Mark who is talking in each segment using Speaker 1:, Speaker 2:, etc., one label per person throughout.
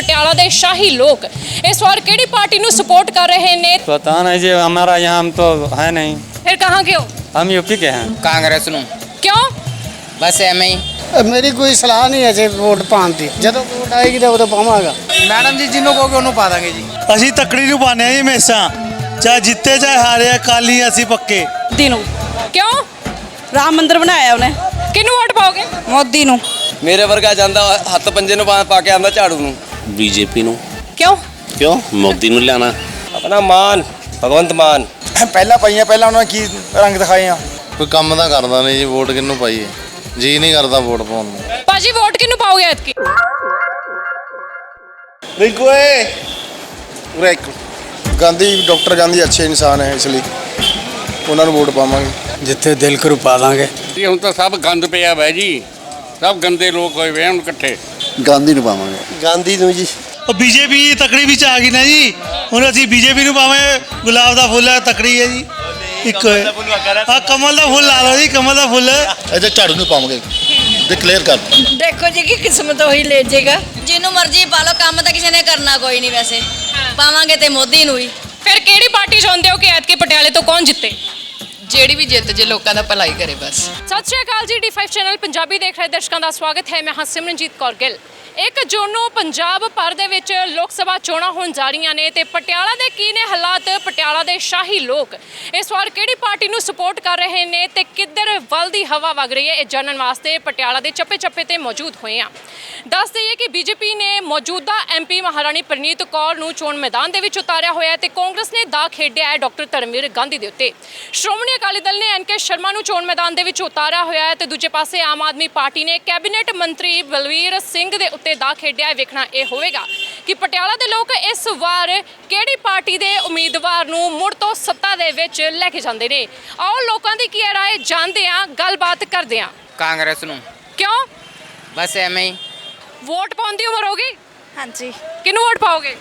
Speaker 1: ਪਟਿਆਲਾ ਦੇ ਸ਼ਾਹੀ ਲੋਕ ਇਸ ਵਾਰ ਕਿਹੜੀ ਪਾर्टी ਨੂੰ सपोर्ट कर रहे ने?
Speaker 2: पता नहीं जी, हमारा यहाँ हम तो है नहीं।
Speaker 1: फिर कहाँ के हो?
Speaker 2: हम यूपी के हैं।
Speaker 3: ਕਾਂਗਰਸ ਨੂੰ
Speaker 1: क्यों?
Speaker 3: ਬਸ ਐਵੇਂ ਹੀ।
Speaker 4: ਮੇਰੀ ਕੋਈ ਸਲਾਹ ਨਹੀਂ ਹੈ ਜੇ ਵੋਟ ਪਾਉਣ ਦੀ, ਜਦੋਂ ਵੋਟ ਆਏਗੀ ਤਾਂ ਉਦੋਂ ਪਾਵਾਂਗਾ।
Speaker 3: ਮੈਡਮ ਜੀ ਜਿਹਨੂੰ ਕਹੋਗੇ ਉਹਨੂੰ ਪਾ ਦਾਂਗੇ ਜੀ।
Speaker 5: ਅਸੀਂ ਤੱਕੜੀ ਨੂੰ ਪਾਉਂਦੇ ਹਾਂ ਜੀ ਹਮੇਸ਼ਾ, ਚਾਹੇ ਜਿੱਤੇ ਚਾਹੇ ਹਾਰੇ, ਅਕਾਲੀ ਅਸੀਂ ਪੱਕੇ।
Speaker 1: दिनों क्यों?
Speaker 6: ਰਾਮ ਮੰਦਿਰ ਬਣਾਇਆ ਉਹਨੇ।
Speaker 1: किन्नू वोट पाओगे?
Speaker 6: ਮੋਦੀ ਨੂੰ।
Speaker 7: ਮੇਰੇ ਵਰਗਾ ਜਾਂਦਾ ਹੱਥ ਪੰਜੇ ਨੂੰ ਪਾ ਕੇ ਆਂਦਾ ਝਾੜੂ ਨੂੰ।
Speaker 8: ਬੀਜੇਪੀ ਨੂੰ।
Speaker 1: क्यों?
Speaker 8: ਕਿਉਂ? ਮੋਦੀ ਨੂੰ ਲਿਆਣਾ।
Speaker 7: ਆਪਣਾ ਮਾਨ ਭਗਵੰਤ ਮਾਨ।
Speaker 3: ਪਹਿਲਾਂ ਉਹਨਾਂ ਨੇ ਕੀ ਰੰਗ ਦਿਖਾਏ ਆ।
Speaker 9: ਕੋਈ ਕੰਮ ਤਾਂ ਕਰਦਾ ਨਹੀਂ ਜੀ, ਵੋਟ ਕਿਹਨੂੰ ਪਾਈਏ? ਜੀ ਨਹੀਂ ਕਰਦਾ ਵੋਟ ਪਾਉਣ ਨੂੰ।
Speaker 1: पाजी वोट किन्नू पाओगे ऐतकी?
Speaker 9: ਰਿੰਕੂ ਏ ਉਰੇ ਇੱਕ ਗਾਂਧੀ, ਡਾਕਟਰ ਗਾਂਧੀ ਅੱਛੇ ਇਨਸਾਨ ਹੈ, ਇਸ ਲਈ ਉਹਨਾਂ ਨੂੰ ਵੋਟ ਪਾਵਾਂਗੇ।
Speaker 4: ਜਿੱਥੇ ਦਿਲ ਕਰੂ ਪਾ ਦਾਂਗੇ।
Speaker 10: ਜੀ ਹੁਣ ਤਾਂ ਸਭ ਗੰਦ ਪਿਆ ਵੈ ਜੀ, ਸਭ ਗੰਦੇ ਲੋਕ ਹੋਏ ਵੇ ਹੁਣ ਇਕੱਠੇ।
Speaker 9: ਗਾਂਧੀ ਨੂੰ ਪਾਵਾਂਗੇ। ਗਾਂਧੀ ਨੂੰ ਜੀ।
Speaker 5: ਉਹ ਬੀਜੇਪੀ ਤੱਕੜੀ ਵਿੱਚ ਆ ਗਈ ਨਾ ਜੀ, ਹੁਣ ਅਸੀਂ ਬੀਜੇਪੀ ਨੂੰ ਪਾਵੇਂ। ਗੁਲਾਬ ਦਾ ਫੁੱਲ ਹੈ, ਤੱਕੜੀ ਹੈ ਜੀ, ਇੱਕ ਹੈ। ਆ ਕਮਲ ਦਾ ਫੁੱਲ ਲਾ ਲਓ ਜੀ, ਕਮਲ ਦਾ ਫੁੱਲ।
Speaker 9: ਇਹਦੇ ਝਾੜੂ ਨੂੰ ਪਾਵਾਂਗੇ, ਡਿਕਲੇਅਰ ਕਰ।
Speaker 6: ਦੇਖੋ ਜੀ ਕੀ ਕਿਸਮਤ ਉਹੀ ਲੈ ਜਾਏਗਾ।
Speaker 11: ਜਿਹਨੂੰ ਮਰਜ਼ੀ ਪਾ ਲਓ, ਕੰਮ ਤਾਂ ਕਿਸੇ ਨੇ ਕਰਨਾ ਕੋਈ ਨਹੀਂ। ਵੈਸੇ ਪਾਵਾਂਗੇ ਤੇ ਮੋਦੀ ਨੂੰ ਹੀ।
Speaker 1: फिर केड़ी पार्टी चाहते हो कि ऐतकी पटियाले तो कौन जिते?
Speaker 11: ਜਿਹੜੀ ਵੀ ਜਿੱਤ ਜੇ ਲੋਕਾਂ ਦਾ ਭਲਾਈ ਕਰੇ ਬਸ।
Speaker 1: ਸਤਿ ਸ਼੍ਰੀ ਅਕਾਲ ਜੀ, D5 ਚੈਨਲ ਪੰਜਾਬੀ ਦੇਖ ਰਹੇ ਦਰਸ਼ਕਾਂ ਦਾ ਸਵਾਗਤ ਹੈ। ਮੈਂ ਹਾਂ ਸਿਮਰਨਜੀਤ ਕੌਰ ਗਿੱਲ। 1 ਜੂਨ ਨੂੰ ਪੰਜਾਬ ਭਰ ਦੇ ਵਿੱਚ ਲੋਕ ਸਭਾ ਚੋਣਾਂ ਹੋਣ ਜਾ ਰਹੀਆਂ ਨੇ ਤੇ ਪਟਿਆਲਾ ਦੇ ਕੀ ਨੇ ਹਾਲਾਤ? ਪਟਿਆਲਾ ਦੇ ਸ਼ਾਹੀ ਲੋਕ ਇਸ ਵਾਰ ਕਿਹੜੀ ਪਾਰਟੀ ਨੂੰ ਸਪੋਰਟ ਕਰ ਰਹੇ ਨੇ ਤੇ ਕਿੱਧਰ ਵੱਲ ਦੀ ਹਵਾ ਵਗ ਰਹੀ ਹੈ, ਇਹ ਜਾਣਨ ਵਾਸਤੇ ਪਟਿਆਲਾ ਦੇ ਚੱਪੇ-ਚੱਪੇ ਤੇ ਮੌਜੂਦ ਹੋਏ ਹਾਂ। ਦੱਸ ਦਈਏ ਕਿ ਬੀਜੇਪੀ ਨੇ ਮੌਜੂਦਾ MP ਮਹਾਰਾਣੀ ਪ੍ਰਨੀਤ ਕੌਰ ਨੂੰ ਚੋਣ ਮੈਦਾਨ ਦੇ ਵਿੱਚ ਉਤਾਰਿਆ ਹੋਇਆ ਤੇ ਕਾਂਗਰਸ ਨੇ ਦਾ ਖੇਡਿਆ ਹੈ ਡਾਕਟਰ ਧਰਮਵੀਰ ਗਾਂਧੀ ਦੇ ਉੱਤੇ। ਸ਼੍ਰੋਮਣੀ ਅਕਾਲੀ ਦਲ ਨੇ NK ਸ਼ਰਮਾ ਨੂੰ ਚੋਣ ਮੈਦਾਨ ਦੇ ਵਿੱਚ ਉਤਾਰਿਆ ਹੋਇਆ ਹੈ ਤੇ ਦੂਜੇ ਪਾਸੇ ਆਮ ਆਦਮੀ ਪਾਰਟੀ ਨੇ ਕੈਬਨਿਟ ਮੰਤਰੀ ਬਲਵੀਰ ਸਿੰਘ ਦੇ ਉੱਤੇ ਦਾ ਖੇਡਿਆ। ਵੇਖਣਾ ਇਹ ਹੋਵੇਗਾ ਕਿ ਪਟਿਆਲਾ ਦੇ ਲੋਕ ਇਸ ਵਾਰ ਕਿਹੜੀ ਪਾਰਟੀ ਦੇ ਉਮੀਦਵਾਰ ਨੂੰ ਮੁੜ ਤੋਂ ਸੱਤਾ ਦੇ ਵਿੱਚ ਲੈ ਕੇ ਜਾਂਦੇ ਨੇ। ਆਓ ਲੋਕਾਂ ਦੀ ਕੀ ਰਾਏ ਜਾਣਦੇ ਹਾਂ, ਗੱਲਬਾਤ ਕਰਦੇ ਹਾਂ।
Speaker 3: ਕਾਂਗਰਸ ਨੂੰ।
Speaker 1: ਕਿਉਂ?
Speaker 3: ਬਸ ਐਵੇਂ ਹੀ।
Speaker 1: ਵੋਟ ਪਾਉਣ ਦੀ ਉਮਰ ਹੋ ਗਈ?
Speaker 6: ਹਾਂਜੀ।
Speaker 1: ਕਿਹਨੂੰ ਵੋਟ ਪਾਓਗੇ?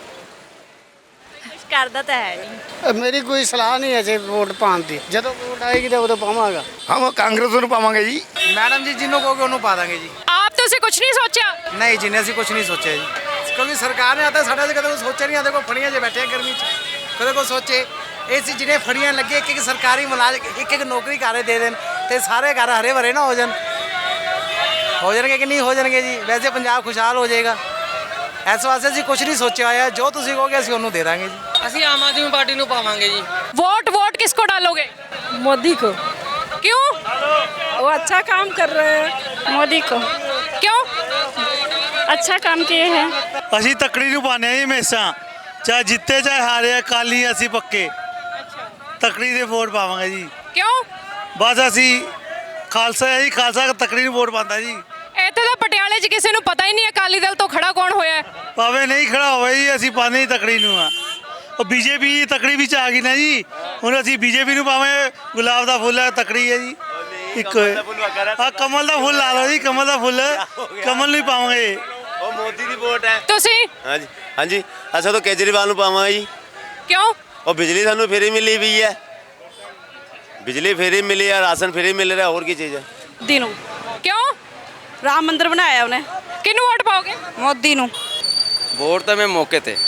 Speaker 6: ਕੁਝ ਕਰਦਾ ਤਾਂ ਹੈ ਨਹੀਂ।
Speaker 4: ਮੇਰੀ ਕੋਈ ਸਲਾਹ ਨਹੀਂ ਹੈ ਜੇ ਵੋਟ ਪਾਉਣ ਦੀ, ਜਦੋਂ ਵੋਟ ਆਏਗੀ ਤਾਂ ਉਦੋਂ ਪਾਵਾਂਗਾ।
Speaker 9: ਹਮ ਕਾਂਗਰਸ ਨੂੰ ਪਾਵਾਂਗੇ ਜੀ।
Speaker 3: ਮੈਡਮ ਜੀ ਜਿਹਨੂੰ ਕਹੋਗੇ ਉਹਨੂੰ ਪਾ ਦਾਂਗੇ ਜੀ।
Speaker 1: ਆਪ ਤੁਸੀਂ ਕੁਝ ਨਹੀਂ ਸੋਚਿਆ?
Speaker 3: ਨਹੀਂ ਜੀ, ਅਸੀਂ ਕੁਝ ਨਹੀਂ ਸੋਚਿਆ ਜੀ, ਕਿਉਂਕਿ ਸਰਕਾਰ ਨੇ ਆਤਾ ਸਾਡੇ ਤੇ ਕਦੇ ਕੋਈ ਸੋਚਿਆ ਨਹੀਂ। ਆਦੇ ਕੋਈ ਫੜੀਆਂ 'ਚ ਬੈਠੇ ਗਰਮੀ 'ਚ, ਕਦੇ ਕੋਈ ਸੋਚੇ ਇਹ ਸੀ ਜਿਹਨੇ ਫੜੀਆਂ ਲੱਗੇ ਇੱਕ ਸਰਕਾਰੀ ਮੁਲਾਜ਼ਮ ਇੱਕ ਨੌਕਰੀ ਕਾਰੇ ਦੇ ਦੇਣ ਤੇ ਸਾਰੇ ਘਰ ਹਰੇ ਭਰੇ ਨਾ ਹੋ ਜਾਣਗੇ ਕਿ ਨਹੀਂ ਹੋ ਜਾਣਗੇ ਜੀ। ਵੈਸੇ ਪੰਜਾਬ ਖੁਸ਼ਹਾਲ ਹੋ ਜਾਏਗਾ। ਇਸ ਵਾਸਤੇ ਅਸੀਂ ਕੁਝ ਨਹੀਂ ਸੋਚਿਆ ਹੋਇਆ, ਜੋ ਤੁਸੀਂ ਕਹੋਗੇ ਅਸੀਂ ਉਹਨੂੰ ਦੇ ਦਾਂਗੇ ਜੀ।
Speaker 7: ਅਸੀਂ ਆਮ ਆਦਮੀ ਪਾਰਟੀ ਨੂੰ ਪਾਵਾਂਗੇ ਜੀ।
Speaker 1: वोट किसको डालोगे?
Speaker 6: मोदी को।
Speaker 1: क्यों?
Speaker 6: वो अच्छा काम कर रहे हैं। मोदी को।
Speaker 1: क्यों?
Speaker 6: अच्छा काम किए हैं।
Speaker 5: ਅਸੀਂ ਤੱਕੜੀ ਨੂੰ ਪਾਉਂਦੇ ਹਾਂ ਜੀ ਹਮੇਸ਼ਾ, ਚਾਹੇ ਜਿੱਤੇ ਚਾਹੇ ਹਾਰੇ, ਅਕਾਲੀ ਅਸੀਂ ਪੱਕੇ। ਤੱਕੜੀ ਦੇ ਵੋਟ ਪਾਵਾਂਗੇ ਜੀ।
Speaker 1: क्यों?
Speaker 5: ਬਸ ਅਸੀਂ ਖਾਲਸਾ ਹੈ ਜੀ, ਖਾਲਸਾ ਤੱਕੜੀ ਨੂੰ ਵੋਟ ਪਾਉਂਦਾ ਜੀ।
Speaker 1: ਇੱਥੇ ਤਾਂ ਪਟਿਆਲੇ 'ਚ ਕਿਸੇ ਨੂੰ ਪਤਾ ਹੀ ਨਹੀਂ ਅਕਾਲੀ ਦਲ ਤੋਂ ਖੜਾ ਕੌਣ ਹੋਇਆ।
Speaker 5: ਭਾਵੇਂ ਨਹੀਂ ਖੜਾ ਹੋਵੇ ਜੀ, ਅਸੀਂ ਪਾਉਂਦੇ ਹੀ ਤੱਕੜੀ ਨੂੰ ਆ। ਉਹ ਬੀਜੇਪੀ ਤੱਕੜੀ ਵਿੱਚ ਆ ਗਈ ਨਾ ਜੀ, ਹੁਣ ਅਸੀਂ ਬੀਜੇਪੀ ਨੂੰ ਪਾਵੇਂ। ਗੁਲਾਬ ਦਾ ਫੁੱਲ ਹੈ, ਤੱਕੜੀ ਹੈ ਜੀ, ਇੱਕ ਹੈ। ਆ ਕਮਲ ਦਾ ਫੁੱਲ ਲਾ ਲਓ ਜੀ, ਕਮਲ ਦਾ ਫੁੱਲ। ਕਮਲ ਨੂੰ ਹੀ ਪਾਵਾਂਗੇ।
Speaker 7: ਉਹ ਮੋਦੀ ਦੀ ਵੋਟ ਹੈ।
Speaker 1: ਤੁਸੀਂ?
Speaker 7: ਹਾਂਜੀ ਹਾਂਜੀ, ਅਸੀਂ ਤਾਂ ਕੇਜਰੀਵਾਲ ਨੂੰ ਪਾਵਾਂਗੇ ਜੀ।
Speaker 1: ਕਿਉਂ?
Speaker 7: ਉਹ ਬਿਜਲੀ ਸਾਨੂੰ ਫ੍ਰੀ ਮਿਲੀ ਵੀ ਹੈ, ਬਿਜਲੀ ਫ੍ਰੀ ਮਿਲੀ ਹੈ, ਰਾਸ਼ਨ ਫ੍ਰੀ ਮਿਲ ਰਿਹਾ, ਹੋਰ ਕੀ ਚੀਜ਼ ਹੈ।
Speaker 6: ਦਿਨੋਂ।
Speaker 1: ਕਿਉਂ?
Speaker 6: ਰਾਮ ਮੰਦਿਰ ਬਣਾਇਆ ਉਹਨੇ।
Speaker 1: ਕਿਹਨੂੰ ਵੋਟ ਪਾਓਗੇ?
Speaker 6: ਮੋਦੀ ਨੂੰ।
Speaker 7: ਵੋਟ ਤਾਂ ਮੈਂ ਮੌਕੇ ਤੇ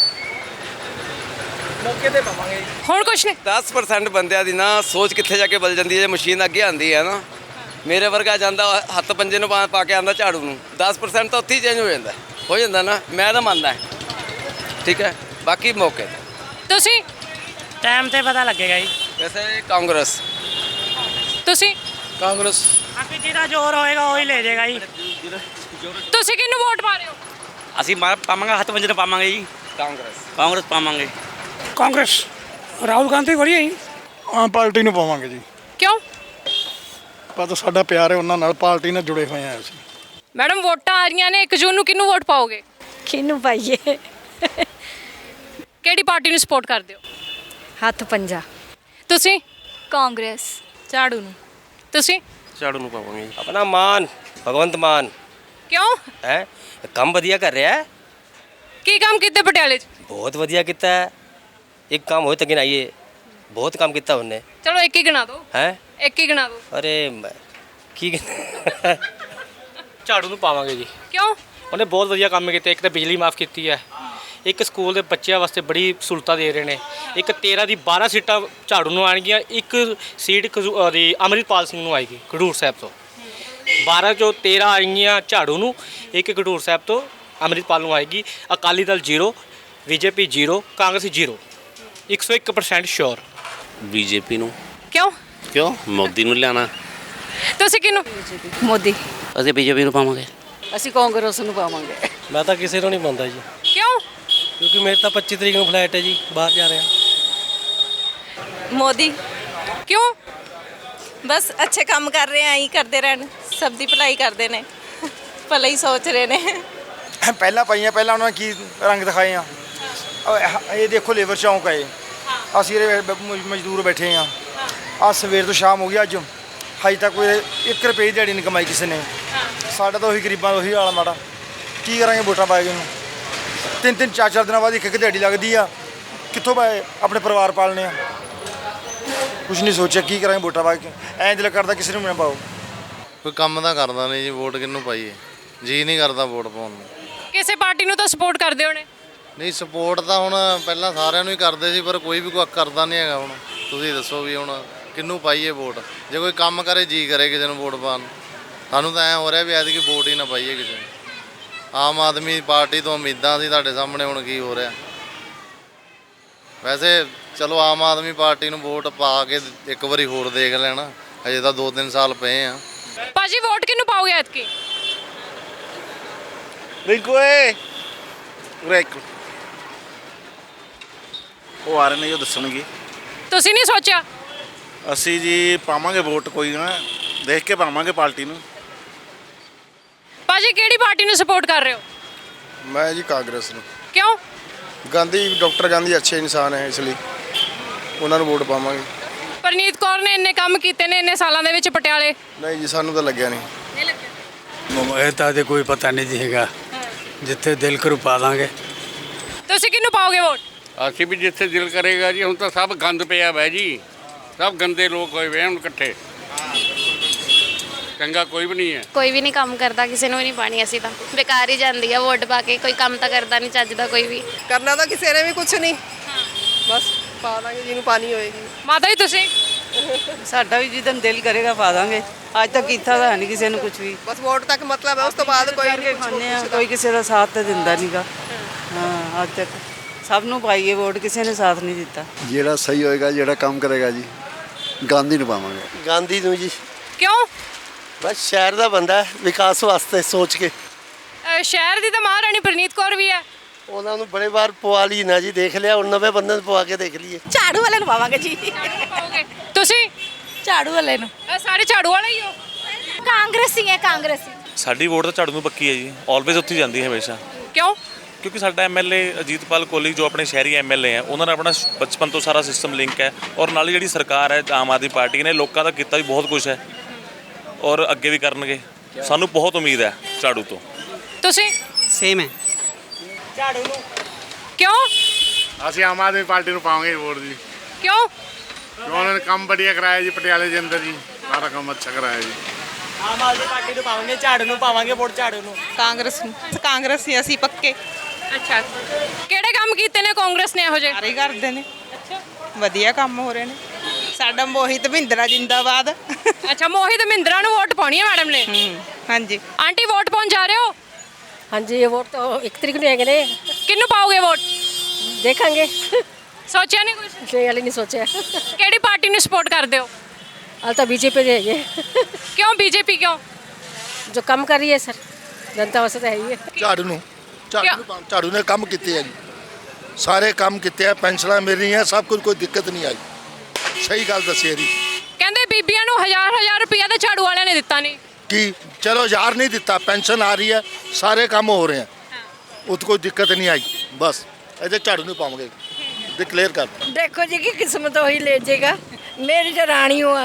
Speaker 3: ਪਾਵਾਂਗੇ ਜੀ।
Speaker 1: ਹੁਣ ਕੁਛ ਨਹੀਂ।
Speaker 7: 10% ਬੰਦਿਆਂ ਦੀ ਨਾ ਸੋਚ ਕਿੱਥੇ ਜਾ ਕੇ ਬਦਲ ਜਾਂਦੀ ਹੈ ਜੇ ਮਸ਼ੀਨ ਅੱਗੇ ਆਉਂਦੀ ਹੈ ਨਾ। ਮੇਰੇ ਵਰਗਾ ਜਾਂਦਾ ਹੱਥ ਪੰਜੇ ਨੂੰ ਪਾ ਕੇ ਆਂਦਾ ਝਾੜੂ ਨੂੰ। 10% ਤਾਂ ਉੱਥੇ ਹੀ ਚੇਂਜ ਹੋ ਜਾਂਦਾ ਨਾ। ਮੈਂ ਤਾਂ ਮੰਨਦਾ, ਠੀਕ ਹੈ, ਬਾਕੀ ਮੌਕੇ ਤੇ।
Speaker 1: ਤੁਸੀਂ?
Speaker 6: ਟਾਈਮ ਤੇ ਪਤਾ ਲੱਗੇਗਾ ਜੀ।
Speaker 7: ਵੈਸੇ ਕਾਂਗਰਸ।
Speaker 1: ਤੁਸੀਂ?
Speaker 9: ਕਾਂਗਰਸ।
Speaker 6: ਬਾਕੀ ਜਿਹਦਾ ਜ਼ੋਰ ਹੋਏਗਾ ਉਹੀ ਲੈ ਜਾਏਗਾ ਜੀ।
Speaker 1: ਤੁਸੀਂ ਕਿਹਨੂੰ ਵੋਟ ਪਾ ਰਹੇ ਹੋ?
Speaker 8: ਅਸੀਂ ਪਾਵਾਂਗੇ, ਹੱਥ ਪੰਜੇ ਨੂੰ ਪਾਵਾਂਗੇ ਜੀ। ਕਾਂਗਰਸ ਪਾਵਾਂਗੇ।
Speaker 4: ਕਾਂਗਰਸ। ਰਾਹੁਲ ਗਾਂਧੀ ਵਧੀਆ ਜੀ।
Speaker 9: ਆਮ ਪਾਰਟੀ ਨੂੰ ਪਾਵਾਂਗੇ ਜੀ।
Speaker 1: ਕਿਉਂ?
Speaker 9: ਪਤਾ ਸਾਡਾ ਪਿਆਰ ਹੈ ਉਹਨਾਂ ਨਾਲ, ਪਾਰਟੀ ਨਾਲ ਜੁੜੇ ਹੋਏ ਆ ਅਸੀਂ।
Speaker 1: ਮੈਡਮ ਵੋਟਾਂ ਆ ਰਹੀਆਂ ਨੇ 1 ਜੂਨ ਨੂੰ, ਕਿਹਨੂੰ ਵੋਟ ਪਾਓਗੇ?
Speaker 6: ਕਿਹਨੂੰ ਪਾਈਏ?
Speaker 1: ਕਿਹੜੀ ਪਾਰਟੀ ਨੂੰ ਸਪੋਰਟ ਕਰਦੇ ਹੋ?
Speaker 11: ਹੱਥ ਪੰਜਾ।
Speaker 1: ਤੁਸੀਂ?
Speaker 11: ਕਾਂਗਰਸ। ਝਾੜੂ ਨੂੰ।
Speaker 1: ਤੁਸੀਂ?
Speaker 7: ਝਾੜੂ ਨੂੰ ਪਾਵਾਂਗੇ ਜੀ। ਆਪਣਾ ਮਾਨ ਭਗਵੰਤ ਮਾਨ
Speaker 1: ਕਿਉਂ?
Speaker 7: ਹੈ, ਕੰਮ ਵਧੀਆ ਕਰ ਰਿਹਾ ਹੈ।
Speaker 1: ਕੀ ਕੰਮ ਕੀਤੇ ਪਟਿਆਲੇ 'ਚ?
Speaker 7: ਬਹੁਤ ਵਧੀਆ ਕੀਤਾ ਹੈ। ਇੱਕ ਕੰਮ ਹੋਏ ਤਾਂ ਗਿਣਾਈਏ, ਬਹੁਤ ਕੰਮ ਕੀਤਾ ਉਹਨੇ।
Speaker 1: ਚਲੋ ਇੱਕ ਹੀ ਗਿਣਾ ਦਿਓ।
Speaker 7: ਹੈ,
Speaker 1: ਇੱਕ ਹੀ ਗਿਣਾ ਦਿਓ।
Speaker 7: ਅਰੇ ਕੀ
Speaker 8: ਝਾੜੂ ਨੂੰ ਪਾਵਾਂਗੇ ਜੀ।
Speaker 1: ਕਿਉਂ?
Speaker 8: ਉਹਨੇ ਬਹੁਤ ਵਧੀਆ ਕੰਮ ਕੀਤੇ। ਇੱਕ ਤਾਂ ਬਿਜਲੀ ਮਾਫ ਕੀਤੀ ਹੈ, ਇੱਕ ਸਕੂਲ ਦੇ ਬੱਚਿਆਂ ਵਾਸਤੇ ਬੜੀ ਸਹੂਲਤਾਂ ਦੇ ਰਹੇ ਨੇ। ਇੱਕ 13 ਦੀ 12 ਸੀਟਾਂ ਝਾੜੂ ਨੂੰ ਆਉਣਗੀਆਂ, ਇੱਕ ਸੀਟ ਦੀ ਅੰਮ੍ਰਿਤਪਾਲ ਸਿੰਘ ਨੂੰ ਆਏਗੀ ਖਡੂਰ ਸਾਹਿਬ ਤੋਂ। 12 ਚੋਂ 13 ਆਏਗੀਆਂ ਝਾੜੂ ਨੂੰ, ਇੱਕ ਖਡੂਰ ਸਾਹਿਬ ਤੋਂ ਅੰਮ੍ਰਿਤਪਾਲ ਨੂੰ ਆਏਗੀ। Akali Dal 0, BJP 0, Congress 0, 101% sure
Speaker 12: BJP ਨੂੰ।
Speaker 1: ਕਿਉਂ
Speaker 12: ਕਿਉਂ? ਮੋਦੀ ਨੂੰ ਲਿਆਣਾ।
Speaker 1: ਤੁਸੀਂ ਕਿਹਨੂੰ?
Speaker 6: ਮੋਦੀ।
Speaker 12: ਅਸੀਂ ਬੀਜੇਪੀ ਨੂੰ ਪਾਵਾਂਗੇ।
Speaker 6: ਅਸੀਂ ਕਾਂਗਰਸ ਨੂੰ ਪਾਵਾਂਗੇ।
Speaker 8: ਮੈਂ ਤਾਂ ਕਿਸੇ ਨੂੰ ਨਹੀਂ ਪਾਉਂਦਾ ਜੀ,
Speaker 1: ਕਿਉਂ?
Speaker 8: ਕਿਉਂਕਿ ਮੇਰੇ ਤਾਂ 25 ਤਰੀਕ ਨੂੰ ਫਲਾਈਟ ਹੈ ਜੀ, ਬਾਹਰ ਜਾ ਰਿਹਾ।
Speaker 6: ਮੋਦੀ।
Speaker 1: ਕਿਉਂ?
Speaker 6: ਬਸ ਅੱਛੇ ਕੰਮ ਕਰ ਰਹੇ ਆ, ਹੀ ਕਰਦੇ ਰਹਿਣ, ਸਭ ਦੀ ਭਲਾਈ ਕਰਦੇ ਨੇ, ਭਲਾ ਹੀ ਸੋਚ ਰਹੇ ਨੇ।
Speaker 5: ਪਹਿਲਾਂ ਪਾਈਆਂ, ਪਹਿਲਾਂ ਉਹਨਾਂ ਨੇ ਕੀ ਰੰਗ ਦਿਖਾਏ ਆ। ਇਹ ਦੇਖੋ ਲੇਬਰ ਚੌਂਕ ਹੈ, ਅਸੀਂ ਇਹਦੇ ਮਜ਼ਦੂਰ ਬੈਠੇ ਆ। ਆ ਸਵੇਰ ਤੋਂ ਸ਼ਾਮ ਹੋ ਗਈ, ਅੱਜ ਹਜੇ ਤੱਕ ਕੋਈ 1 ਰੁਪਏ ਦੀ ਦਿਹਾੜੀ ਨਹੀਂ ਕਮਾਈ ਕਿਸੇ ਨੇ। ਸਾਡਾ ਤਾਂ ਉਹੀ ਗਰੀਬਾਂ ਦਾ ਉਹੀ ਹਾਲ ਮਾੜਾ। ਕੀ ਕਰਾਂਗੇ ਵੋਟਾਂ ਪਾ ਕੇ ਨੂੰ? 3-3 4-4 ਦਿਨਾਂ ਬਾਅਦ ਇੱਕ ਦਿਹਾੜੀ ਲੱਗਦੀ ਆ। ਕਿੱਥੋਂ ਪਾਏ ਆਪਣੇ ਪਰਿਵਾਰ ਪਾਲਣੇ ਆ? ਕੁਛ ਨਹੀਂ ਸੋਚਿਆ ਕੀ ਕਰਾਂਗੇ ਵੋਟਾਂ ਪਾ ਕੇ। ਐਂ ਦਿਲ ਕਰਦਾ ਕਿਸੇ ਨੂੰ ਨਾ ਪਾਓ।
Speaker 9: ਕੋਈ ਕੰਮ ਤਾਂ ਕਰਦਾ ਨਹੀਂ ਜੀ, ਵੋਟ ਕਿਹਨੂੰ ਪਾਈਏ? ਜੀ ਨਹੀਂ ਕਰਦਾ ਵੋਟ ਪਾਉਣ ਨੂੰ।
Speaker 1: ਕਿਸੇ ਪਾਰਟੀ ਨੂੰ ਤਾਂ ਸਪੋਰਟ ਕਰਦੇ ਹੋਣੇ।
Speaker 9: ਨਹੀਂ ਸਪੋਰਟ ਤਾਂ ਹੁਣ ਪਹਿਲਾਂ ਸਾਰਿਆਂ ਨੂੰ ਹੀ ਕਰਦੇ ਸੀ, ਪਰ ਕੋਈ ਵੀ ਕੋਈ ਕਰਦਾ ਨਹੀਂ ਹੈਗਾ। ਹੁਣ ਤੁਸੀਂ ਦੱਸੋ ਵੀ ਹੁਣ ਕਿਹਨੂੰ ਪਾਈਏ ਵੋਟ? ਜੇ ਕੋਈ ਕੰਮ ਕਰੇ ਜੀ ਕਰੇ ਕਿਸੇ ਨੂੰ ਵੋਟ ਪਾਉਣ। ਸਾਨੂੰ ਤਾਂ ਐਂ ਹੋ ਰਿਹਾ ਵੀ ਐਤਕੀ ਵੋਟ ਹੀ ਨਾ ਪਾਈਏ ਕਿਸੇ ਨੂੰ। ਆਮ ਆਦਮੀ ਪਾਰਟੀ ਤੋਂ ਉਮੀਦਾਂ ਸੀ, ਤੁਹਾਡੇ ਸਾਹਮਣੇ ਹੁਣ ਕੀ ਹੋ ਰਿਹਾ। ਵੈਸੇ ਚਲੋ ਆਮ ਆਦਮੀ ਪਾਰਟੀ ਨੂੰ ਵੋਟ ਪਾ ਕੇ ਇੱਕ ਵਾਰੀ ਹੋਰ ਦੇਖ ਲੈਣਾ, ਅਜੇ ਤਾਂ 2-3 ਸਾਲ ਪਏ ਆ।
Speaker 1: ਭਾਜੀ ਵੋਟ ਕਿਹਨੂੰ ਪਾਓਗੇ ਐਤਕੀ?
Speaker 5: ਰਿੰਕੂ ਏ ਉਰੇ ਇੱਕ ਉਹ ਆ ਰਹੇ ਨੇ, ਉਹ ਦੱਸਣਗੇ।
Speaker 1: ਤੁਸੀਂ ਨਹੀਂ ਸੋਚਿਆ?
Speaker 5: ਅਸੀਂ ਜੀ ਪਾਵਾਂਗੇ ਵੋਟ, ਕੋਈ ਨਾ ਦੇਖ ਕੇ ਪਾਵਾਂਗੇ ਪਾਰਟੀ ਨੂੰ।
Speaker 1: ਭਾਜੀ ਕਿਹੜੀ ਪਾਰਟੀ ਨੂੰ ਸਪੋਰਟ ਕਰ ਰਹੇ ਹੋ?
Speaker 9: ਮੈਂ ਜੀ ਕਾਂਗਰਸ ਨੂੰ।
Speaker 1: ਕਿਉਂ?
Speaker 9: ਗਾਂਧੀ, ਡਾਕਟਰ ਗਾਂਧੀ ਅੱਛੇ ਇਨਸਾਨ ਹੈ, ਇਸ ਲਈ ਉਹਨਾਂ ਨੂੰ ਵੋਟ ਪਾਵਾਂਗੇ।
Speaker 1: ਪਰਨੀਤ ਕੌਰ ਨੇ ਇੰਨੇ ਕੰਮ ਕੀਤੇ ਨੇ ਇੰਨੇ ਸਾਲਾਂ ਦੇ ਵਿੱਚ ਪਟਿਆਲੇ।
Speaker 9: ਨਹੀਂ ਜੀ, ਸਾਨੂੰ ਤਾਂ ਲੱਗਿਆ ਨਹੀਂ।
Speaker 1: ਨਹੀਂ ਲੱਗਿਆ?
Speaker 4: ਇਹ ਤਾਂ ਕੋਈ ਪਤਾ ਨਹੀਂ ਜੀ ਹੈਗਾ, ਜਿੱਥੇ ਦਿਲ ਕਰੂ ਪਾ ਦਾਂਗੇ।
Speaker 1: ਤੁਸੀਂ ਕਿਹਨੂੰ ਪਾਓਗੇ ਵੋਟ?
Speaker 10: ਅਸੀਂ ਵੀ ਜਿੱਥੇ ਦਿਲ ਕਰੇਗਾ ਜੀ। ਹੁਣ ਤਾਂ ਸਭ ਗੰਦ ਪਿਆ ਵੈ ਜੀ, ਸਭ ਗੰਦੇ ਲੋਕ ਹੋਏ ਵੇ ਹੁਣ ਇਕੱਠੇ। ਚੰਗਾ ਕੋਈ ਵੀ ਨਹੀਂ ਹੈ।
Speaker 11: ਕੋਈ ਵੀ ਨਹੀਂ ਕੰਮ ਕਰਦਾ, ਕਿਸੇ ਨੂੰ ਵੀ ਨਹੀਂ ਪਾਣੀ। ਅਸੀਂ ਤਾਂ ਬੇਕਾਰ ਹੀ ਜਾਂਦੀ ਆ ਵੋਟ ਪਾ ਕੇ। ਕੋਈ ਕੰਮ ਤਾਂ ਕਰਦਾ ਨਹੀਂ ਚੱਜ ਦਾ ਕੋਈ ਵੀ।
Speaker 6: ਕਰਨਾ ਤਾਂ ਕਿਸੇ ਨੇ ਵੀ ਕੁਝ ਨਹੀਂ, ਬਸ ਪਾ ਦਾਂਗੇ ਜਿਹਨੂੰ ਪਾਣੀ ਹੋਏਗੀ।
Speaker 1: ਮਾਤਾ ਜੀ ਤੁਸੀਂ?
Speaker 6: ਸਾਡਾ ਵੀ ਜਿੱਦਨ ਦਿਲ ਕਰੇਗਾ ਪਾ ਦਾਂਗੇ। ਅੱਜ ਤੱਕ ਕੀਤਾ ਤਾਂ ਨਹੀਂ ਕਿਸੇ ਨੂੰ ਕੁਝ ਵੀ, ਬਸ ਵੋਟ ਤੱਕ ਮਤਲਬ ਹੈ। ਉਸ ਤੋਂ ਬਾਅਦ ਕੋਈ ਨਹੀਂ ਖਾਂਦੇ ਆ, ਕੋਈ ਕਿਸੇ ਦਾ ਸਾਥ ਤਾਂ ਦਿੰਦਾ ਨਹੀਂਗਾ। ਹਾਂ, ਅੱਜ ਤੱਕ ਸਭ ਨੂੰ ਪਾਈਏ ਵੋਟ, ਕਿਸੇ ਨੇ ਸਾਥ ਨਹੀਂ ਦਿੱਤਾ।
Speaker 9: ਜਿਹੜਾ ਸਹੀ ਹੋਏਗਾ, ਜਿਹੜਾ ਕੰਮ ਕਰੇਗਾ ਜੀ, ਗਾਂਧੀ ਨੂੰ ਪਾਵਾਂਗੇ।
Speaker 3: ਗਾਂਧੀ ਨੂੰ ਜੀ।
Speaker 1: ਕਿਉਂ?
Speaker 3: ਬਸ ਸ਼ਹਿਰ ਦਾ ਬੰਦਾ ਵਿਕਾਸ ਵਾਸਤੇ ਸੋਚ ਕੇ।
Speaker 1: ਸ਼ਹਿਰ ਦੀ ਤਾਂ ਮਹਾਰਾਣੀ ਪਰਨੀਤ ਕੌਰ ਵੀ ਹੈ।
Speaker 3: ਉਹਨਾਂ ਨੂੰ ਬੜੇ ਵਾਰ ਪਵਾ ਲਈ ਨਾ ਜੀ, ਦੇਖ ਲਿਆ। ਹੁਣ ਨਵੇਂ ਬੰਦੇ ਨੂੰ ਪਵਾ ਕੇ ਦੇਖ ਲਈਏ।
Speaker 6: ਝਾੜੂ ਵਾਲੇ ਨੂੰ ਪਾਵਾਂਗੇ ਜੀ।
Speaker 1: ਪਾਓਗੇ ਤੁਸੀਂ?
Speaker 6: ਝਾੜੂ ਵਾਲੇ ਨੂੰ।
Speaker 1: ਸਾਰੇ ਝਾੜੂ ਵਾਲੇ ਹੀ ਹੋ?
Speaker 6: ਕਾਂਗਰਸੀ ਹੈ, ਕਾਂਗਰਸੀ।
Speaker 13: ਸਾਡੀ ਵੋਟ ਤਾਂ ਝਾੜੂ ਨੂੰ ਪੱਕੀ ਹੈ ਜੀ, ਆਲਵੇਜ਼ ਉੱਥੇ ਜਾਂਦੀ ਹੈ ਹਮੇਸ਼ਾ।
Speaker 1: ਕਿਉਂ?
Speaker 13: ਕਿਉਂਕਿ ਸਾਡਾ ਐਮਐਲਏ ਅਜੀਤਪਾਲ ਕੋਹਲੀ ਜੋ ਆਪਣੇ ਸ਼ਹਿਰੀ ਐਮਐਲਏ ਹੈ, ਉਹਨਾਂ ਨਾਲ ਆਪਣਾ ਬਚਪਨ ਤੋਂ ਸਾਰਾ ਸਿਸਟਮ ਲਿੰਕ ਹੈ। ਔਰ ਨਾਲ ਜਿਹੜੀ ਸਰਕਾਰ ਹੈ ਆਮ ਆਦਮੀ ਪਾਰਟੀ ਨੇ, ਲੋਕਾਂ ਦਾ ਕੀਤਾ ਵੀ ਬਹੁਤ ਕੁਝ ਹੈ ਔਰ ਅੱਗੇ ਵੀ ਕਰਨਗੇ। ਸਾਨੂੰ ਬਹੁਤ ਉਮੀਦ ਹੈ ਝਾੜੂ ਤੋਂ।
Speaker 1: ਤੁਸੀਂ?
Speaker 8: ਸੇਮ ਹੈ।
Speaker 6: ਝਾੜੂ ਨੂੰ।
Speaker 1: ਕਿਉਂ?
Speaker 5: ਅਸੀਂ ਆਮ ਆਦਮੀ ਪਾਰਟੀ ਨੂੰ ਪਾਵਾਂਗੇ ਵੋਟ ਜੀ।
Speaker 1: ਕਿਉਂ?
Speaker 5: ਕਿਉਂ? ਉਹਨਾਂ ਨੇ ਕੰਮ ਵਧੀਆ ਕਰਾਇਆ ਜੀ ਪਟਿਆਲੇ ਦੇ ਅੰਦਰ ਜੀ, ਸਾਰਾ ਕੰਮ ਅੱਛਾ ਕਰਾਇਆ ਜੀ।
Speaker 6: ਆਮ ਆਦਮੀ ਪਾਰਟੀ ਨੂੰ ਪਾਵਾਂਗੇ, ਝਾੜੂ ਨੂੰ ਪਾਵਾਂਗੇ ਵੋਟ, ਝਾੜੂ ਨੂੰ। ਕਾਂਗਰਸ ਨੂੰ। ਕਾਂਗਰਸ ਹੀ ਅਸੀਂ ਪੱਕੇ।
Speaker 1: ਅੱਛਾ, ਕਿਹੜੇ ਕੰਮ ਕੀਤੇ ਨੇ ਕਾਂਗਰਸ ਨੇ ਇਹੋ ਜਿਹੇ?
Speaker 6: ਸਾਰੇ ਕਰਦੇ ਨੇ। ਅੱਛਾ, ਵਧੀਆ ਕੰਮ ਹੋ ਰਹੇ ਨੇ। ਸਾਡਾ ਮੋਹਿਤ ਮਹਿੰਦਰਾ ਜਿੰਦਾਬਾਦ।
Speaker 1: ਅੱਛਾ, ਮੋਹਿਤ ਮਹਿੰਦਰਾ ਨੂੰ ਵੋਟ ਪਾਉਣੀ ਹੈ ਮੈਡਮ ਨੇ?
Speaker 6: ਹਾਂਜੀ।
Speaker 1: ਆਂਟੀ ਵੋਟ ਪਾਉਣ ਜਾ ਰਹੇ ਹੋ?
Speaker 6: ਹਾਂਜੀ, ਇਹ ਵੋਟ ਤਾਂ 1 ਤਰੀਕ ਨੂੰ ਹੈਗੇ ਨੇ।
Speaker 1: ਕਿਹਨੂੰ ਪਾਓਗੇ ਵੋਟ?
Speaker 6: ਦੇਖਾਂਗੇ।
Speaker 1: ਸੋਚਿਆ ਨਹੀਂ ਕੁਝ?
Speaker 6: ਨਹੀਂ, ਹਾਲੇ ਨਹੀਂ ਸੋਚਿਆ।
Speaker 1: ਕਿਹੜੀ ਪਾਰਟੀ ਨੂੰ ਸਪੋਰਟ ਕਰਦੇ ਹੋ?
Speaker 6: ਹਾਲੇ ਤਾਂ ਬੀਜੇਪੀ ਦੇ ਹੈਗੇ।
Speaker 1: ਕਿਉਂ ਬੀਜੇਪੀ ਕਿਉਂ?
Speaker 6: ਜੋ ਕੰਮ ਕਰ ਰਹੀ ਹੈ ਸਰ, ਜਨਤਾ ਵਾਸਤੇ ਤਾਂ ਹੈ ਹੀ ਹੈ।
Speaker 9: ਝਾੜੂ ਨੂੰ। ਝਾੜੂ ਨੇ ਕੰਮ ਕੀਤੇ ਹੈ ਜੀ, ਸਾਰੇ ਕੰਮ ਕੀਤੇ ਆ। ਪੈਨਸ਼ਨਾਂ ਮਿਲ ਰਹੀਆਂ, ਸਭ ਕੁਝ, ਕੋਈ ਦਿੱਕਤ ਨਹੀਂ ਆਈ। ਸਹੀ ਗੱਲ ਦੱਸੀ ਜੀ।
Speaker 1: ਕਹਿੰਦੇ ਬੀਬੀਆਂ ਨੂੰ 1000 ਰੁਪਇਆ ਤਾਂ ਝਾੜੂ ਵਾਲਿਆਂ ਨੇ ਦਿੱਤਾ ਨਹੀਂ।
Speaker 9: ਕਿ ਚਲੋ 1000 ਨਹੀਂ ਦਿੱਤਾ, ਪੈਨਸ਼ਨ ਆ ਰਹੀ ਹੈ, ਸਾਰੇ ਕੰਮ ਹੋ ਰਹੇ ਆ, ਉਹ ਕੋਈ ਦਿੱਕਤ ਨਹੀਂ ਆਈ। ਬਸ ਇਹਦੇ ਝਾੜੂ ਨੂੰ ਪਾਵਾਂਗੇ, डिक्लेयर कर।
Speaker 6: देखो जी की किस्मत वही ले जाएगा। मेरी जो रानी हो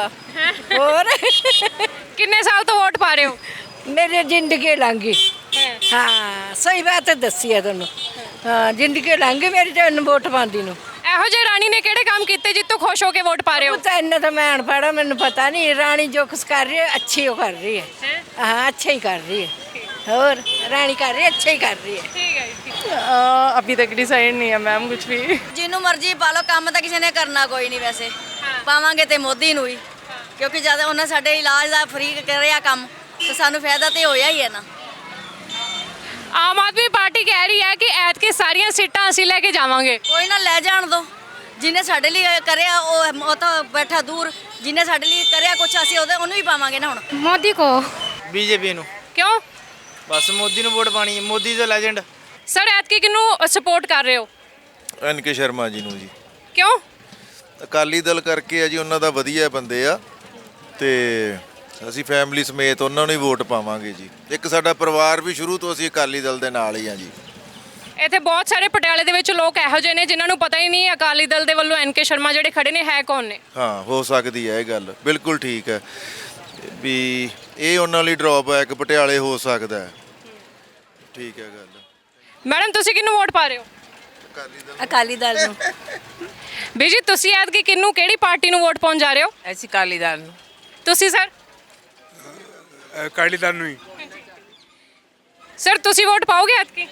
Speaker 6: और
Speaker 1: किन्ने साल तो वोट पा रहे हो?
Speaker 6: मेरी जिंदगी लंघी। हाँ सही बात है दसी है तुहानू। हाँ जिंदगी लंघी मेरी जो वोट पाती नू।
Speaker 1: ਇਹੋ ਜਿਹੇ ਰਾਣੀ ਨੇ ਕਿਹੜੇ ਕੰਮ ਕੀਤੇ ਜਿੱਤੋਂ ਖੁਸ਼ ਹੋ ਕੇ ਵੋਟ ਪਾ ਰਹੇ ਹੋ?
Speaker 6: ਤਾਂ ਇੰਨਾ ਤਾਂ ਮੈਂ ਅਨਪੜ੍ਹ ਹਾਂ, ਮੈਨੂੰ ਪਤਾ ਨਹੀਂ। ਰਾਣੀ ਜੋ ਕੁਛ ਕਰ ਰਹੀ ਹੈ अच्छी वो कर रही है। हाँ अच्छा ही कर रही है।
Speaker 14: और रानी कर रही है, अच्छा ही कर रही है।
Speaker 1: ਠੀਕ ਹੈ ਜੀ।
Speaker 6: अभी तक डिसाइड नहीं है मैम कुछ भी।
Speaker 14: ਜਿਹਨੂੰ ਮਰਜ਼ੀ ਪਾ ਲਓ, ਕੰਮ ਤਾਂ ਕਿਸੇ ਨੇ ਕਰਨਾ ਕੋਈ ਨਹੀਂ ਵੈਸੇ। ਪਾਵਾਂਗੇ ਤੇ ਮੋਦੀ ਨੂੰ ਹੀ, ਕਿਉਂਕਿ ਜਦ ਉਹਨਾਂ ਸਾਡੇ ਇਲਾਜ ਦਾ ਫ੍ਰੀ ਕਰਿਆ ਕੰਮ ਤੇ ਸਾਨੂੰ ਫਾਇਦਾ ਤੇ ਹੋਇਆ ਹੀ ਹੈ ਨਾ।
Speaker 1: ਆਮ ਆਦਮੀ ਪਾਰਟੀ ਕਹਿ ਰਹੀ ਹੈ ਕਿ ਐਤਕੀ ਸਾਰੀਆਂ ਸੀਟਾਂ ਅਸੀਂ ਲੈ ਕੇ ਜਾਵਾਂਗੇ।
Speaker 14: ਕੋਈ ਨਾ ਲੈ ਜਾਣ ਦੋ, ਜਿਹਨੇ ਸਾਡੇ ਲਈ ਕਰਿਆ ਉਹ ਤਾਂ ਬੈਠਾ ਦੂਰ, ਜਿਹਨੇ ਸਾਡੇ ਲਈ ਕਰਿਆ ਕੁਛ ਅਸੀਂ ਉਹਨੂੰ ਹੀ ਪਾਵਾਂਗੇ ਨਾ ਹੁਣ।
Speaker 1: ਮੋਦੀ ਕੋ।
Speaker 3: ਬੀਜੇਪੀ ਨੂੰ।
Speaker 1: ਕਿਉਂ?
Speaker 3: ਬਸ ਮੋਦੀ ਨੂੰ ਵੋਟ ਪਾਣੀ ਹੈ, ਮੋਦੀ ਦਾ ਲੈਜੈਂਡ।
Speaker 1: ਸਰ ਐਤਕੀ ਕਿਹਨੂੰ ਸਪੋਰਟ ਕਰ ਰਹੇ ਹੋ?
Speaker 15: ਐਨਕੇ ਸ਼ਰਮਾ ਜੀ ਨੂੰ ਜੀ।
Speaker 1: ਕਿਉਂ?
Speaker 15: ਅਕਾਲੀ ਦਲ ਕਰਕੇ ਆ ਜੀ, ਉਹਨਾਂ ਦਾ ਵਧੀਆ ਬੰਦੇ ਆ ਤੇ ਅਸੀਂ ਫੈਮਿਲੀ ਸਮੇਤ ਉਹਨਾਂ ਨੂੰ ਹੀ ਵੋਟ ਪਾਵਾਂਗੇ ਜੀ। ਇੱਕ ਸਾਡਾ ਪਰਿਵਾਰ ਵੀ ਸ਼ੁਰੂ ਤੋਂ ਅਸੀਂ ਅਕਾਲੀ ਦਲ ਦੇ ਨਾਲ ਹੀ ਆ ਜੀ।
Speaker 1: ਇੱਥੇ ਬਹੁਤ ਸਾਰੇ ਪਟਿਆਲੇ ਦੇ ਵਿੱਚ ਲੋਕ ਇਹੋ ਜਿਹੇ ਨੇ ਜਿਨ੍ਹਾਂ ਨੂੰ ਪਤਾ ਹੀ ਨਹੀਂ ਅਕਾਲੀ ਦਲ ਦੇ ਵੱਲੋਂ ਐਨਕੇ ਸ਼ਰਮਾ ਜਿਹੜੇ ਖੜੇ ਨੇ ਹੈ ਕੌਣ ਨੇ।
Speaker 15: ਹਾਂ, ਹੋ ਸਕਦੀ ਹੈ ਇਹ ਗੱਲ, ਬਿਲਕੁਲ ਠੀਕ ਹੈ ਵੀ ਇਹ ਉਹਨਾਂ ਲਈ ਡ੍ਰੌਬੈਕ ਪਟਿਆਲੇ ਹੋ ਸਕਦਾ ਹੈ। ਠੀਕ ਹੈ ਗੱਲ।
Speaker 1: ਮੈਡਮ ਤੁਸੀਂ ਕਿਹਨੂੰ ਵੋਟ ਪਾ ਰਹੇ ਹੋ?
Speaker 14: ਅਕਾਲੀ ਦਲ ਨੂੰ।
Speaker 1: ਬੀਜੀ ਤੁਸੀਂ ਐਤਕੀ ਕਿਹਨੂੰ, ਕਿਹੜੀ ਪਾਰਟੀ ਨੂੰ ਵੋਟ ਪਾਉਣ ਜਾ ਰਹੇ ਹੋ?
Speaker 6: ऐसी काली दाल ਨੂੰ।
Speaker 1: ਤੁਸੀਂ ਸਰ?
Speaker 5: ਅਕਾਲੀ ਦਲ ਨੂੰ ਹੀ।
Speaker 1: ਸਰ ਤੁਸੀਂ ਵੋਟ ਪਾਓਗੇ ਐਤਕੀ?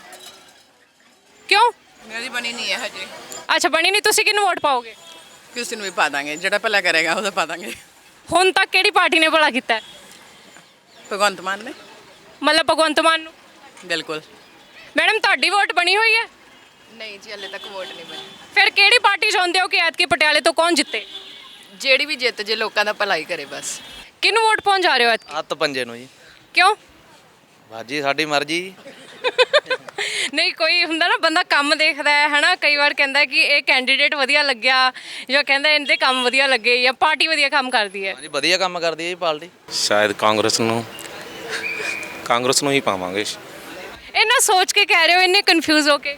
Speaker 1: ਕਿਉਂ?
Speaker 6: ਮੇਰੀ ਬਣੀ ਨਹੀਂ ਹੈ ਹਜੇ।
Speaker 1: ਅੱਛਾ ਬਣੀ ਨਹੀਂ, ਤੁਸੀਂ ਕਿਹਨੂੰ ਵੋਟ ਪਾਓਗੇ?
Speaker 6: ਕਿਸੇ ਨੂੰ ਵੀ ਪਾ ਦਾਂਗੇ, ਜਿਹੜਾ ਭਲਾ ਕਰੇਗਾ ਉਹਦਾ ਪਾ ਦਾਂਗੇ।
Speaker 1: ਹੁਣ ਤੱਕ ਕਿਹੜੀ ਪਾਰਟੀ ਨੇ ਭਲਾ ਕੀਤਾ ਹੈ?
Speaker 6: ਭਗਵੰਤ ਮਾਨ ਨੇ।
Speaker 1: ਮਤਲਬ ਭਗਵੰਤ ਮਾਨ ਨੂੰ।
Speaker 6: ਬਿਲਕੁਲ।
Speaker 1: ਮੈਡਮ ਤੁਹਾਡੀ ਵੋਟ ਬਣੀ ਹੋਈ ਹੈ?
Speaker 6: ਨਹੀਂ ਜੀ, ਹਲੇ ਤੱਕ ਵੋਟ ਨਹੀਂ ਬਣੀ।
Speaker 1: ਫਿਰ ਕਿਹੜੀ ਪਾਰਟੀ ਚਾਹੁੰਦੇ ਹੋ ਕਿ ਐਤਕੀ ਪਟਿਆਲੇ ਤੋਂ ਕੌਣ ਜਿੱਤੇ?
Speaker 6: ਜਿਹੜੀ ਵੀ ਜਿੱਤ ਜੇ, ਲੋਕਾਂ ਦਾ ਭਲਾ ਹੀ ਕਰੇ ਬਸ।
Speaker 1: ਕਿਹਨੂੰ ਵੋਟ ਪਾਉਣ ਜਾ ਰਹੇ ਹੋ ਐਤਕੀ?
Speaker 7: ਹੱਥ ਪੰਜੇ ਨੂੰ ਜੀ।
Speaker 1: ਕਿਉਂ?
Speaker 7: ਬਾਜੀ ਸਾਡੀ ਮਰਜ਼ੀ।
Speaker 1: ਨਹੀਂ ਕੋਈ ਹੁੰਦਾ ਨਾ ਬੰਦਾ ਕੰਮ ਦੇਖਦਾ ਹੈ ਹਨਾ, ਕਈ ਵਾਰ ਕਹਿੰਦਾ ਕਿ ਇਹ ਕੈਂਡੀਡੇਟ ਵਧੀਆ ਲੱਗਿਆ ਜਾਂ ਕਹਿੰਦਾ ਇਹਦੇ ਕੰਮ ਵਧੀਆ ਲੱਗੇ ਜਾਂ ਪਾਰਟੀ ਵਧੀਆ ਕੰਮ ਕਰਦੀ ਹੈ।
Speaker 7: ਹਾਂਜੀ ਵਧੀਆ ਕੰਮ ਕਰਦੀ ਹੈ ਜੀ ਪਾਰਟੀ।
Speaker 8: ਸ਼ਾਇਦ ਕਾਂਗਰਸ ਨੂੰ ਹੀ ਪਾਵਾਂਗੇ।
Speaker 1: ਇਹਨਾਂ ਸੋਚ ਕੇ ਕਹਿ ਰਹੇ ਹੋ, ਇੰਨੇ ਕਨਫਿਊਜ਼ ਹੋ ਕੇ?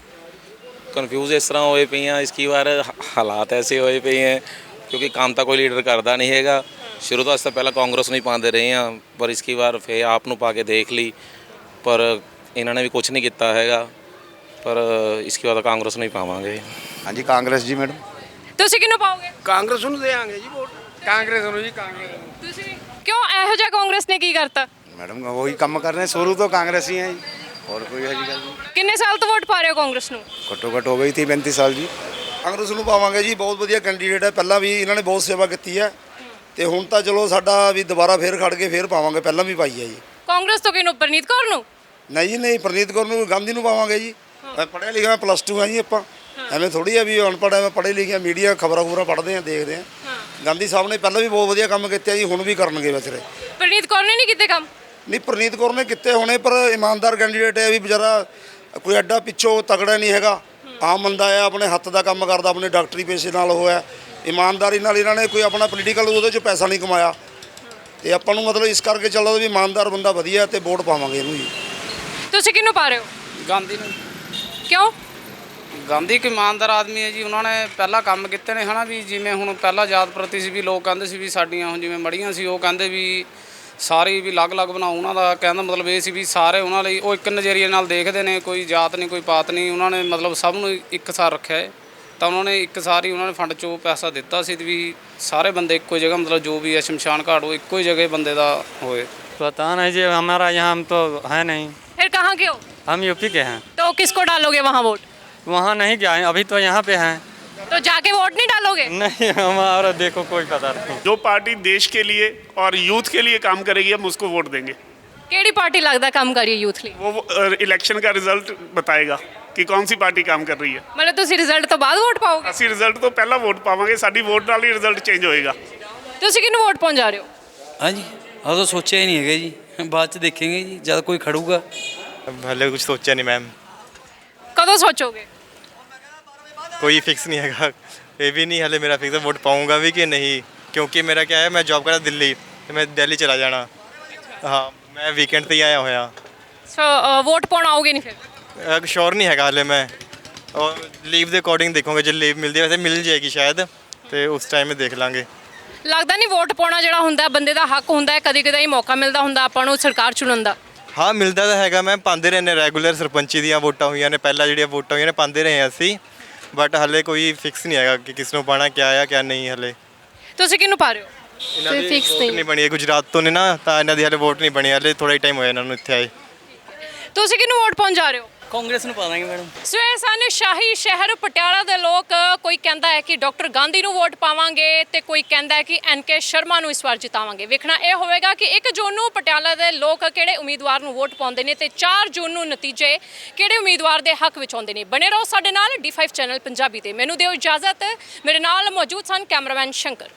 Speaker 8: ਕਨਫਿਊਜ਼ ਇਸ ਤਰ੍ਹਾਂ ਹੋਏ ਪਏ ਆ, ਇਸकी ਵਾਰ ਹਾਲਾਤ ਐਸੇ ਹੋਏ ਪਏ ਹੈ ਕਿਉਂਕਿ ਕੰਮ ਤਾਂ ਕੋਈ ਲੀਡਰ ਕਰਦਾ ਨਹੀਂ ਹੈਗਾ। ਸ਼ੁਰੂ ਤੋਂ ਅੱਜ ਤੱਕ ਪਹਿਲਾਂ ਕਾਂਗਰਸ ਨੂੰ ਹੀ ਪਾਉਂਦੇ ਰਹੇ ਆ, ਪਰ ਇਸकी ਵਾਰ ਫਿਰ ਆਪ ਨੂੰ ਪਾ ਕੇ ਦੇਖ ਲਈ, ਪਰ ਇਹਨਾਂ ਨੇ ਵੀ ਕੁਝ ਨਹੀਂ ਕੀਤਾ ਹੈਗਾ, ਪਰ ਇਸकी ਵਾਰ ਕਾਂਗਰਸ ਨੂੰ ਹੀ ਪਾਵਾਂਗੇ।
Speaker 9: ਹਾਂਜੀ ਕਾਂਗਰਸ ਜੀ ਮੈਡਮ।
Speaker 1: ਤੁਸੀਂ ਕਿਹਨੂੰ ਪਾਓਗੇ?
Speaker 3: ਕਾਂਗਰਸ ਨੂੰ ਦੇਵਾਂਗੇ ਜੀ ਵੋਟ। ਕਾਂਗਰਸ ਨੂੰ ਜੀ, ਕਾਂਗਰਸ ਨੂੰ।
Speaker 1: ਤੁਸੀਂ ਕਿਉਂ? ਇਹੋ ਜਿਹਾ ਕਾਂਗਰਸ ਨੇ ਕੀ ਕਰਤਾ?
Speaker 9: ਮੈਡਮ ਉਹੀ ਕੰਮ ਕਰ ਰਹੇ ਸ਼ੁਰੂ ਤੋਂ ਕਾਂਗਰਸੀ ਹੈ ਜੀ, ਹੋਰ ਕੋਈ ਇਹੋ ਜਿਹੀ ਗੱਲ ਨਹੀਂ।
Speaker 1: ਕਿੰਨੇ ਸਾਲ ਤੋਂ ਵੋਟ ਪਾ ਰਹੇ ਹੋ ਕਾਂਗਰਸ ਨੂੰ?
Speaker 9: ਘੱਟੋ ਘੱਟ ਹੋ ਗਈ 30-35 ਸਾਲ ਜੀ।
Speaker 16: ਕਾਂਗਰਸ ਨੂੰ ਪਾਵਾਂਗੇ ਜੀ, ਬਹੁਤ ਵਧੀਆ ਕੈਂਡੀਡੇਟ ਹੈ, ਪਹਿਲਾਂ ਵੀ ਇਹਨਾਂ ਨੇ ਬਹੁਤ ਸੇਵਾ ਕੀਤੀ ਹੈ ਤੇ ਹੁਣ ਤਾਂ ਚਲੋ ਸਾਡਾ ਵੀ ਦੁਬਾਰਾ ਫੇਰ ਖੜ ਕੇ ਫੇਰ ਪਾਵਾਂਗੇ, ਪਹਿਲਾਂ ਵੀ ਪਾਈ ਹੈ ਜੀ।
Speaker 1: ਕਾਂਗਰਸ ਤੋਂ ਕਿਹਨੂੰ? ਪ੍ਰਨੀਤ ਕੌਰ ਨੂੰ?
Speaker 16: ਨਹੀਂ ਜੀ ਨਹੀਂ, ਪ੍ਰਨੀਤ ਕੌਰ ਨੂੰ, ਗਾਂਧੀ ਨੂੰ ਪਾਵਾਂਗੇ ਜੀ। ਪੜ੍ਹਿਆ ਲਿਖਿਆ +2 ਆ ਜੀ ਆਪਾਂ, ਐਵੇਂ ਥੋੜੀ ਆ ਵੀ ਅਨਪੜ੍ਹ ਐਵੇਂ ਪੜ੍ਹੇ ਲਿਖੇ ਮੀਡੀਆ ਖਬਰਾਂ ਪੜ੍ਹਦੇ ਆ, ਦੇਖਦੇ ਆ। ਗਾਂਧੀ ਸਾਹਿਬ ਨੇ ਪਹਿਲਾਂ ਵੀ ਬਹੁਤ ਵਧੀਆ ਕੰਮ ਕੀਤੇ ਜੀ, ਹੁਣ ਵੀ ਕਰਨਗੇ ਵੈਸੇ।
Speaker 1: ਪ੍ਰਨੀਤ ਕੌਰ ਨੇ ਨਹੀਂ ਕੀਤੇ ਕੰਮ?
Speaker 16: ਨਹੀਂ, ਪ੍ਰਨੀਤ ਕੌਰ ਨੇ ਕੀਤੇ ਹੋਣੇ, ਪਰ ਇਮਾਨਦਾਰ ਕੈਂਡੀਡੇਟ ਹੈ ਵੀ ਵਿਚਾਰਾ, ਕੋਈ ਐਡਾ ਪਿੱਛੋਂ ਤਗੜਾ ਨਹੀਂ ਹੈਗਾ, ਆਮ ਬੰਦਾ ਹੈ, ਆਪਣੇ ਹੱਥ ਦਾ ਕੰਮ ਕਰਦਾ, ਆਪਣੇ ਡਾਕਟਰੀ ਪੇਸ਼ੇ ਨਾਲ ਹੋਇਆ, ਇਮਾਨਦਾਰੀ ਨਾਲ ਇਹਨਾਂ ਨੇ ਕੋਈ ਆਪਣਾ ਪੋਲੀਟੀਕਲ ਉਹਦੇ 'ਚ ਪੈਸਾ ਨਹੀਂ ਕਮਾਇਆ ਤੇ ਆਪਾਂ ਨੂੰ ਮਤਲਬ ਇਸ ਕਰਕੇ ਚੱਲਦਾ ਵੀ ਇਮਾਨਦਾਰ ਬੰਦਾ ਵਧੀਆ ਤੇ ਵੋਟ ਪਾਵਾਂਗੇ ਇਹਨੂੰ ਜੀ।
Speaker 1: ਤੁਸੀਂ ਕਿਹਨੂੰ ਪਾ ਰਹੇ ਹੋ?
Speaker 6: ਗਾਂਧੀ ਨੂੰ।
Speaker 1: ਕਿਉਂ?
Speaker 6: ਗਾਂਧੀ ਇੱਕ ਇਮਾਨਦਾਰ ਆਦਮੀ ਹੈ ਜੀ, ਉਹਨਾਂ ਨੇ ਪਹਿਲਾਂ ਕੰਮ ਕੀਤੇ ਨੇ ਹਨਾ, ਵੀ ਜਿਵੇਂ ਹੁਣ ਪਹਿਲਾਂ ਜਾਤ ਪ੍ਰਤੀ ਸੀ ਵੀ ਲੋਕ ਕਹਿੰਦੇ ਸੀ ਵੀ ਸਾਡੀਆਂ ਹੁਣ ਜਿਵੇਂ ਮੜੀਆਂ ਸੀ, ਉਹ ਕਹਿੰਦੇ ਵੀ ਸਾਰੀ ਵੀ ਅਲੱਗ-ਅਲੱਗ ਬਣਾਓ, ਉਹਨਾਂ ਦਾ ਕਹਿਣ ਦਾ ਮਤਲਬ ਇਹ ਸੀ ਵੀ ਸਾਰੇ ਉਹਨਾਂ ਲਈ ਉਹ ਇੱਕ ਨਜ਼ਰੀਏ ਨਾਲ ਦੇਖਦੇ ਨੇ, ਕੋਈ ਜਾਤ ਨਹੀਂ ਕੋਈ ਪਾਤ ਨਹੀਂ, ਉਹਨਾਂ ਨੇ ਮਤਲਬ ਸਭ ਨੂੰ ਇੱਕਸਾਰ ਰੱਖਿਆ ਹੈ। ਤਾਂ ਉਹਨਾਂ ਨੇ ਇੱਕ ਸਾਰੀ ਉਹਨਾਂ ਨੇ ਫੰਡ 'ਚੋਂ ਪੈਸਾ ਦਿੱਤਾ ਸੀ ਵੀ ਸਾਰੇ ਬੰਦੇ ਇੱਕੋ ਜਗ੍ਹਾ, ਮਤਲਬ ਜੋ ਵੀ ਹੈ ਸ਼ਮਸ਼ਾਨ ਘਾਟ ਉਹ ਇੱਕੋ ਹੀ ਜਗ੍ਹਾ ਬੰਦੇ ਦਾ ਹੋਏ।
Speaker 2: पता नहीं जी, हमारा यहाँ हम तो है नहीं।
Speaker 1: फिर कहाँ के हो?
Speaker 2: हम यूपी के हैं।
Speaker 1: तो किसको डालोगे वहाँ वोट?
Speaker 2: वहाँ नहीं गए हैं, अभी तो यहाँ पे हैं।
Speaker 1: तो जाके वोट नहीं डालोगे?
Speaker 2: नहीं, हमारा देखो कोई पता नहीं।
Speaker 17: जो पार्टी देश के लिए और यूथ के लिए काम करेगी हम उसको वोट देंगे।
Speaker 1: केड़ी पार्टी लगता काम करिए यूथ लिए?
Speaker 17: वो इलेक्शन का रिजल्ट बताएगा कि कौन सी पार्टी काम कर रही है।
Speaker 1: मतलब तुसी रिजल्ट तो बाद वोट पाओगे?
Speaker 17: ਅਸੀਂ ਰਿਜ਼ਲਟ ਤੋਂ ਪਹਿਲਾਂ ਵੋਟ ਪਾਵਾਂਗੇ, ਸਾਡੀ ਵੋਟ ਨਾਲ ਹੀ ਰਿਜ਼ਲਟ ਚੇਂਜ ਹੋਏਗਾ।
Speaker 1: ਤੁਸੀਂ ਕਿਹਨੂੰ ਵੋਟ ਪਾਉਣ ਜਾ ਰਹੇ ਹੋ?
Speaker 18: ਹਾਂਜੀ ਉਦੋਂ ਸੋਚਿਆ ਹੀ ਨਹੀਂ ਹੈਗਾ ਜੀ, ਬਾਅਦ ਚ ਦੇਖਾਂਗੇ ਜੀ ਜਦ ਕੋਈ ਖੜੂਗਾ।
Speaker 19: ਹਲੇ ਕੁਝ ਸੋਚਿਆ ਨਹੀਂ ਮੈਮ।
Speaker 1: ਕਦੋਂ ਸੋਚੋਗੇ?
Speaker 19: ਕੋਈ ਫਿਕਸ ਨਹੀਂ ਹੈਗਾ, ਇਹ ਵੀ ਨਹੀਂ ਹਲੇ ਮੇਰਾ ਫਿਕਸ ਵੋਟ ਪਾऊंगा ਵੀ ਕਿ ਨਹੀਂ, ਕਿਉਂਕਿ ਮੇਰਾ क्या है, मैं जॉब करता ਦਿੱਲੀ ਤੇ ਮੈਂ ਦਿੱਲੀ ਚਲਾ ਜਾਣਾ। ਹਾਂ ਮੈਂ ਵੀਕਐਂਡ ਤੇ ਹੀ ਆਇਆ ਹੋਇਆ।
Speaker 1: ਸੋ ਵੋਟ ਪਾਉਣ ਆਓਗੇ ਨਹੀਂ ਫਿਰ?
Speaker 19: श्योर नहीं हैगा हले मैं, और लीव के अकॉर्डिंग देखोगे, जो लीव मिलती है वैसे मिल जाएगी शायद, तो उस टाइम में देख लाँगे।
Speaker 1: ਲੱਗਦਾ ਨਹੀਂ ਵੋਟ ਪਾਉਣਾ ਜਿਹੜਾ ਹੁੰਦਾ ਬੰਦੇ ਦਾ ਹੱਕ ਹੁੰਦਾ ਹੈ, ਕਦੀ ਕਦਾਈ ਮੌਕਾ ਮਿਲਦਾ ਹੁੰਦਾ ਆਪਾਂ ਨੂੰ ਸਰਕਾਰ ਚੁਣਨ ਦਾ।
Speaker 19: ਹਾਂ ਮਿਲਦਾ ਤਾਂ ਹੈਗਾ ਮੈਮ, ਪਾਉਂਦੇ ਰਹੇ ਨੇ ਰੈਗੂਲਰ, ਸਰਪੰਚੀ ਦੀਆਂ ਵੋਟਾਂ ਹੋਈਆਂ ਨੇ ਪਹਿਲਾਂ, ਜਿਹੜੀਆਂ ਵੋਟਾਂ ਹੋਈਆਂ ਨੇ ਪਾਉਂਦੇ ਰਹੇ ਅਸੀਂ, ਬਟ ਹਲੇ ਕੋਈ ਫਿਕਸ ਨਹੀਂ ਹੈਗਾ ਕਿ ਕਿਸ ਨੂੰ ਪਾਉਣਾ, ਕਿਆ ਆ ਕਿਆ ਨਹੀਂ ਹਲੇ।
Speaker 1: ਤੁਸੀਂ ਕਿਹਨੂੰ ਪਾ ਰਹੇ ਹੋ?
Speaker 19: ਇਹਨਾਂ ਦੀ ਵੋਟ ਨਹੀਂ ਬਣੀ ਹੈ, ਗੁਜਰਾਤ ਤੋਂ ਨੇ ਨਾ, ਤਾਂ ਇਹਨਾਂ ਦੀ ਹਲੇ ਵੋਟ ਨਹੀਂ ਬਣੀ, ਹਲੇ ਥੋੜਾ ਹੀ ਟਾਈਮ ਹੋਇਆ ਇਹਨਾਂ ਨੂੰ ਇੱਥੇ ਆਏ।
Speaker 1: ਤੁਸੀਂ ਕਿਹਨੂੰ ਵੋਟ ਪਾਉਣ ਜਾ ਰਹੇ ਹੋ?
Speaker 18: ਕਾਂਗਰਸ ਨੂੰ ਪਾ ਦਾਂਗੇ ਮੈਡਮ।
Speaker 1: ਸੋ ਇਹ ਸਨ ਸ਼ਾਹੀ ਸ਼ਹਿਰ ਪਟਿਆਲਾ ਦੇ ਲੋਕ। ਕੋਈ ਕਹਿੰਦਾ ਹੈ ਕਿ ਡਾਕਟਰ ਗਾਂਧੀ ਨੂੰ ਵੋਟ ਪਾਵਾਂਗੇ ਤੇ ਕੋਈ ਕਹਿੰਦਾ ਹੈ ਕਿ NK ਸ਼ਰਮਾ ਨੂੰ ਇਸ ਵਾਰ ਜਿਤਾਵਾਂਗੇ। ਵੇਖਣਾ ਇਹ ਹੋਵੇਗਾ ਕਿ 1 ਜੂਨ ਨੂੰ ਪਟਿਆਲਾ ਦੇ ਲੋਕ ਕਿਹੜੇ ਉਮੀਦਵਾਰ ਨੂੰ ਵੋਟ ਪਾਉਂਦੇ ਨੇ ਤੇ 4 ਜੂਨ ਨੂੰ ਨਤੀਜੇ ਕਿਹੜੇ ਉਮੀਦਵਾਰ ਦੇ ਹੱਕ ਵਿੱਚ ਆਉਂਦੇ ਨੇ। ਬਣੇ ਰਹੋ ਸਾਡੇ ਨਾਲ D5 ਚੈਨਲ ਪੰਜਾਬੀ ਤੇ। ਮੈਨੂੰ ਦਿਓ ਇਜਾਜ਼ਤ। ਮੇਰੇ ਨਾਲ ਮੌਜੂਦ ਸਨ ਕੈਮਰਾਮੈਨ ਸ਼ੰਕਰ।